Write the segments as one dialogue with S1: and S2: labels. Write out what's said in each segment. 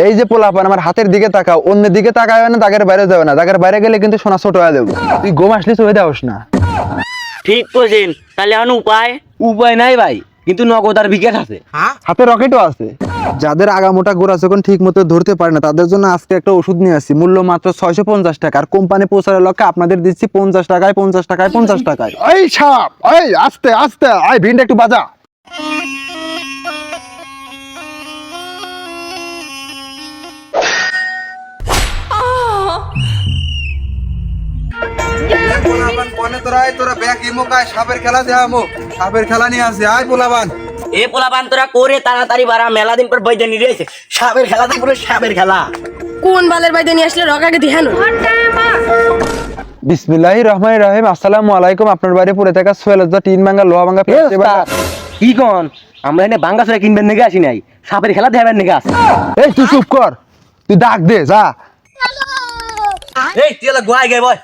S1: এই যে পোলাপান আমার হাতের দিকে তাকাও, অন্য দিকে তাকায় না, দাগের বাইরে যাবে না, দাগের বাইরে গেলে কিন্তু সোনা ছোট হয়ে যাবে। তুই গোম আসলি চলে দেওস না।
S2: ঠিক কইছেন, তাহলে এখন উপায়?
S3: উপায় নাই ভাই, কিন্তু নগদ আর বিকাশ আছে।
S1: হাতে রকেটও আছে। যাদের আগামোটা গোড়া যখন ঠিক মতো ধরতে পারে না তাদের জন্য আজকে একটা ওষুধ নিয়ে আসছি, মূল্য মাত্র 650 টাকা। আর কোম্পানি পৌঁছানোর লক্ষ্যে আপনাদের দিচ্ছি 50 টাকায় 50 টাকায় 50 টাকায়। এই সাপ, এই আস্তে আস্তে, এই ভিনটা একটু বাজা। সাপের খেলা দেখামো, সাপের খেলা নিয়ে আসি। আয় পোলাবান,
S2: এ পোলাপান তোরা করে তাড়াতাড়ি বাড়া, মেলা দিন পর বৈদ্য নিয়ে এসে সাপের খেলা তো পুরো সাপের খেলা।
S4: কোন বালের বাইদে নিয়ে আসলে রকাকে দিহানো।
S1: বিসমিল্লাহির রহমানির রহিম। আসসালামু আলাইকুম। আপনার বাড়ি পড়ে থাকা সোয়েল টিন ভাঙা লোহা ভাঙা
S3: কি কন, আমরা এনে বাঙ্গা ছড়া কিনবেন নাকি আসি নাই, সাপের খেলা দেখাবেন নাকি আসি।
S1: এই তুই চুপ কর, তুই ডাক দে যা।
S3: এই তুই গোয়াই গে বয়।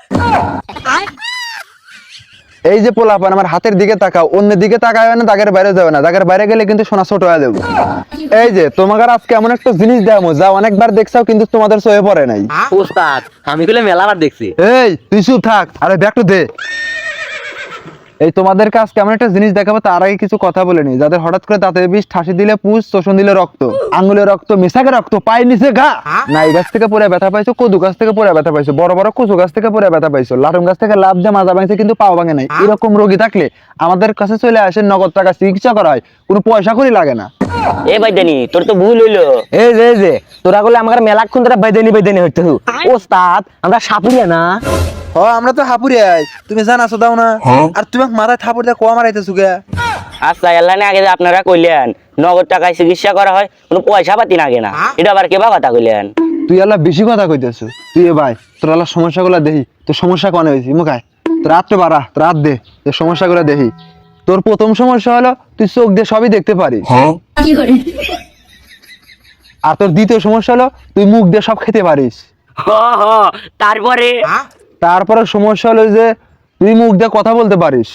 S1: এই যে পোলাপান আমার হাতের দিকে তাকাও, অন্য দিকে তাকায় না, দাগের বাইরে যাবে না, দাগের বাইরে গেলে কিন্তু সোনা ছোট হয়ে যাবে। এই যে তোমাদের আজকে এমন একটা জিনিস দেখামো যা অনেকবার দেখছাও কিন্তু তোমাদের চোখে পড়ে নাই।
S3: ওস্তাদ আমি কইলে মেলাবার দেখছি।
S1: এই তুই চুপ থাক, আরে ব্যাগটা দে। এই তোমাদের কাছে কেমন একটা জিনিস দেখাবো, তার আগে কিছু কথা বলে নি। যাদের হঠাৎ করে দাঁতের বিষ, ঠাসি দিলে পুষ, শোষণ দিলে রক্ত, আঙ্গুলে রক্ত, মেশাকে রক্ত, পায়ের নিচে ঘা, নাই গাছ থেকে পড়ে ব্যথা পাইছো, কদু গাছ থেকে পড়ে ব্যথা পাইছো, বড় বড় কচু গাছ থেকে পড়ে ব্যথা পাইছো, লাটুম গাছ থেকে লাভ দিয়ে মাজা ভাঙছে কিন্তু পাও ভাঙে নাই, এরকম রোগী থাকলে আমাদের কাছে চলে আসে, নগদ টাকা চিকিৎসা করা হয়, কোনো পয়সা করি লাগে না।
S2: এ বৈদ্যানি তোর তো ভুল হইলো।
S3: এই যে তোরা বলে আমার মেলাক্ষণ তোরা বাইদানি হইতে হু। ওস্তাদ আমরা সাপুরিয়া না।
S1: ও আমরা তো হাপুরি আই, তুমি জানাছো দাও না। আর তুমি মাথায় থাপড় দিয়ে কোয়া মারাইতেছো গে।
S2: আচ্ছা এল্লা না আগে যে আপনারা কইলেন নগদ টাকায় চিকিৎসা করা হয়, কোনো পয়সা পাতি লাগে না, এটা আবার কেবা কথা কইলেন?
S1: তুই আল্লাহ বেশি কথা কইতেছ। তুই এ ভাই তোর আল্লাহ সমস্যাগুলো দেখি, তোর সমস্যা কনে হয়েছি মুখায়, তোর রাত্রে বাড়া, তোর রাত দে, তোর সমস্যাগুলো দেখি। তোর প্রথম সমস্যা হলো তুই চোখ দিয়ে সবই দেখতে পারিস। আর তোর দ্বিতীয় সমস্যা হলো তুই মুখ দিয়ে সব খেতে পারিস।
S2: হ তারপরে?
S1: তারপরে সমস্যা হলো যে তুই মুখ দিয়ে কথা বলতে পারিস।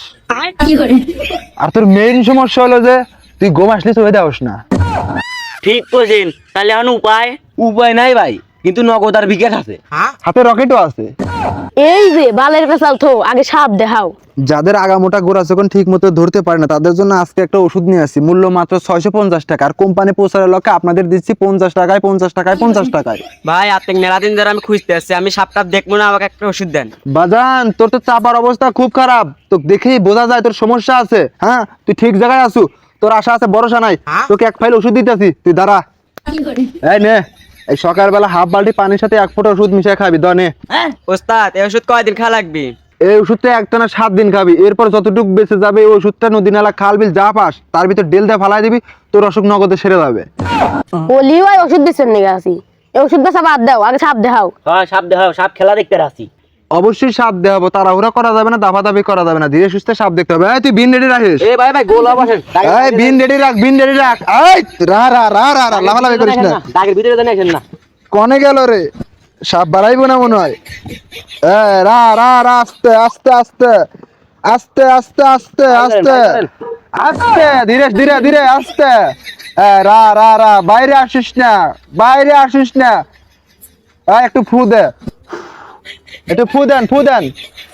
S1: আর তোর মেইন সমস্যা হলো যে তুই ঘুম আসলে চলে দেওস না।
S2: ঠিক কইছেন, তাহলে এখন উপায়?
S3: উপায় নাই ভাই, কিন্তু নগদ আর বিকাশ আছে।
S1: হাতে রকেটও আছে।
S4: এই যে বালের পেছাল থো, আগে সাপ দেখাও।
S1: যাদের আগামোটা গোড়া যখন ঠিক মতো ধরতে পারে না তাদের জন্য আজকে একটা ওষুধ নিয়ে আসছি, মূল্য মাত্র 650 টাকা। আর কোম্পানি পৌঁছানোর লক্ষ্যে আপনাদের দিচ্ছি 50 টাকায় 50 টাকায় 50 টাকায়।
S5: ভাই আপনি মেলা দিন ধরে আমি খুঁজতে আসছি, আমি সাপটা দেখবো না, আমাকে একটা ওষুধ দেন।
S1: বাজান তোর তো চাপার অবস্থা খুব খারাপ, তো দেখেই বোঝা যায় তোর সমস্যা আছে। হ্যাঁ তুই ঠিক জায়গায় আসু, তোর আশা আছে ভরসা নাই। তোকে এক ফাইল ওষুধ দিতেছি, তুই দাঁড়া। এই নে, এই সকালবেলা হাফ বালতি পানির সাথে 1 ফোঁটা ওষুধ মিশিয়ে খাবি, দনে।
S5: ওস্তাদ এই ওষুধ কয়দিন খাওয়া লাগবে?
S1: এই ওষুধটা একটানা 7 দিন খাবি, এরপর যতটুকু বেঁচে যাবে এই ওষুধটা নদী নালা খাল বিল যা পাস তার ভিতর ডেল দিয়ে ফালাই দিবি, তোর অসুখ নগদে সেরে যাবে।
S4: বলি ভাই ওষুধ দিচ্ছেন নাকি আসি, এই ওষুধ বেচা বাদ দাও, আগে সাপ দেখাও।
S2: হ্যাঁ সাপ দেখাও, সাপ খেলা দেখতে আসি।
S1: অবশ্যই সাপ দেখাবো, তাড়াহুড়া করা যাবে না, দাফাদাফি করা যাবে না, ধীরে সুস্থে সাপ দেখতে হবে। এই তুই বিন রেডি রাখিস।
S3: এ ভাই গোলা বসেন।
S1: এই বিন রেডি রাখ, বিন রেডি রাখ। এই রা রা রা রা রা লাফালাফি করিস না।
S3: দাগের ভিতরে জানি আসেন না।
S1: কনে গেল রে, সাপ বাড়াইবো না মনে হয়। রা রা রা, আস্তে আস্তে আস্তে আস্তে আস্তে আস্তে আস্তে আস্তে, ধীরে ধীরে ধীরে আস্তে। রা রা রা, বাইরে আসিস না, বাইরে আসিস না। একটু ফু দে, একটু ফু দেন, ফু দেন।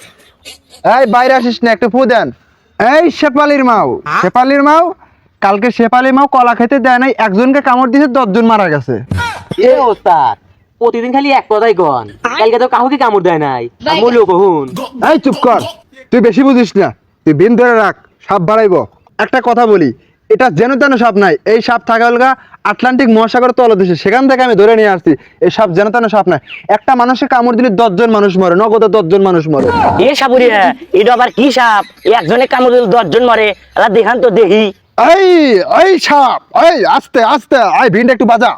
S1: এই বাইরে আসিস না, একটু ফু দেন। এই শেপালির মাও, শেপালির মাও, কালকে শেপালি মাও কলা খেতে দেয় নাই, একজনকে কামড় দিয়েছে, 10 জন মারা গেছে।
S3: এ ওস্তাদ প্রতিদিন খালি এক কথাই কন, কালকে তো কাউকে কামড় দেয় নাই, আমুলো কহুন।
S1: এই চুপ কর, তুই বেশি বুঝিস না, তুই বিন ধরে রাখ, সাপ বাড়াইবো। একটা কথা বলি, এটা যেন তেন সাপ নাই, এই সাপ থাকা হলগা আটলান্টিক মহাসাগর তলদেশে, সেখান থেকে আমি ধরে নিয়ে আসছি। এই সাপ যেন তেন সাপ নাই, একটা মানুষে কামড় দিলে 10 জন মানুষ মরে, নগদে 10 জন মানুষ মরে।
S2: এ সাপুরিয়া, এটা আবার কি সাপ? একজনে কামড় দিলে 10 জন মরে, আল্লাহ দেখান তো দেখি।
S1: এই এই সাপ, এই আস্তে আস্তে, এই ভিনটা একটু বাজা।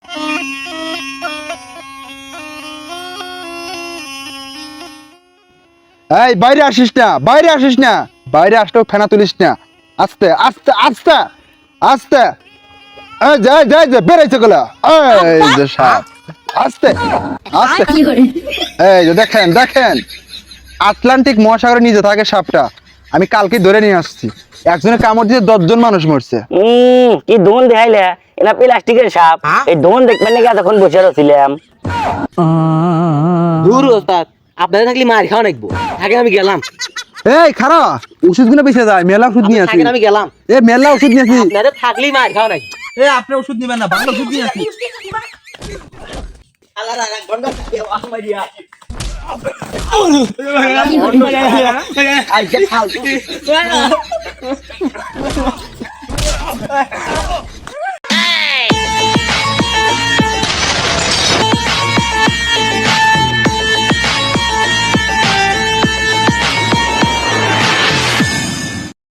S1: এই বাইরে আসিস না, বাইরে আসিস না, বাইরে আসলেও ফেনা তুলিস না, আস্তে আস্তে আস্তে আস্তে। এই যাই যাই যাই বেড়াইছে গুলা, এই যে সাপ, আস্তে আস্তে। এই যে দেখেন দেখেন, আটলান্টিক মহাসাগরে নিচে থাকে সাপটা, আমি কালকে ধরে নিয়ে আসছি। একজনে কামড় দিয়ে 10 জন মানুষ মরছে।
S2: কি দোন দেখাইলে এনা প্লাস্টিকের সাপ এই দোন দেখবেন নাকি এতক্ষণ বসে রছিলাম
S3: দূর ওস্তাদ আপনাদের থাকলে মার খাওয়া নাকবো থাকেন আমি গেলাম
S1: এই খারা ওষুধ গুলো বেঁচে যায়, মেলা ওষুধ নিয়ে আসি।
S3: থাকেন আমি গেলাম
S1: এ মেলা ওষুধ নিয়ে আসি।
S3: আপনাদের থাকলেই মার খাওয়া নাকবো
S1: এ আপনি ওষুধ নিবেন না, ভালো ওষুধ নিয়ে আসি।